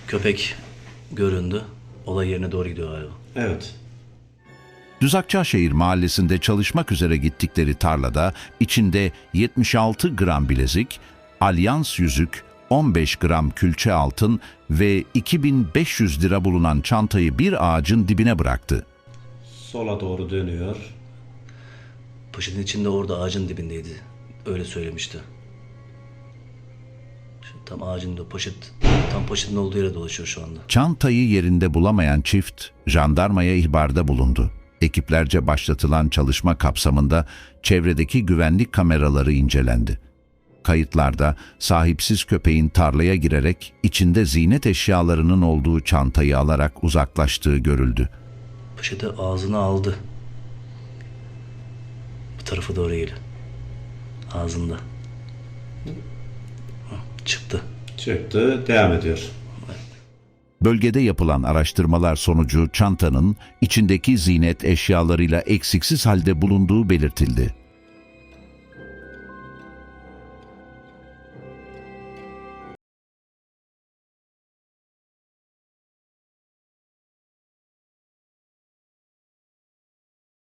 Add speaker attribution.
Speaker 1: Köpek göründü. Olay yerine doğru gidiyor galiba.
Speaker 2: Evet.
Speaker 3: Düzakçaşehir mahallesinde çalışmak üzere gittikleri tarlada içinde 76 gram bilezik, alyans yüzük, 15 gram külçe altın ve 2500 lira bulunan çantayı bir ağacın dibine bıraktı.
Speaker 2: Sola doğru dönüyor.
Speaker 1: Poşetin içinde orada ağacın dibindeydi. Öyle söylemişti. Şimdi tam ağacın da tam poşetin olduğu yere dolaşıyor şu anda.
Speaker 3: Çantayı yerinde bulamayan çift jandarmaya ihbarda bulundu. Ekiplerce başlatılan çalışma kapsamında çevredeki güvenlik kameraları incelendi. Kayıtlarda sahipsiz köpeğin tarlaya girerek içinde ziynet eşyalarının olduğu çantayı alarak uzaklaştığı görüldü.
Speaker 1: Poşeti ağzına aldı. Bu tarafa doğru geliyor. Ağzında. Çıktı.
Speaker 2: Çıktı. Devam ediyor.
Speaker 3: Bölgede yapılan araştırmalar sonucu çantanın içindeki ziynet eşyalarıyla eksiksiz halde bulunduğu belirtildi.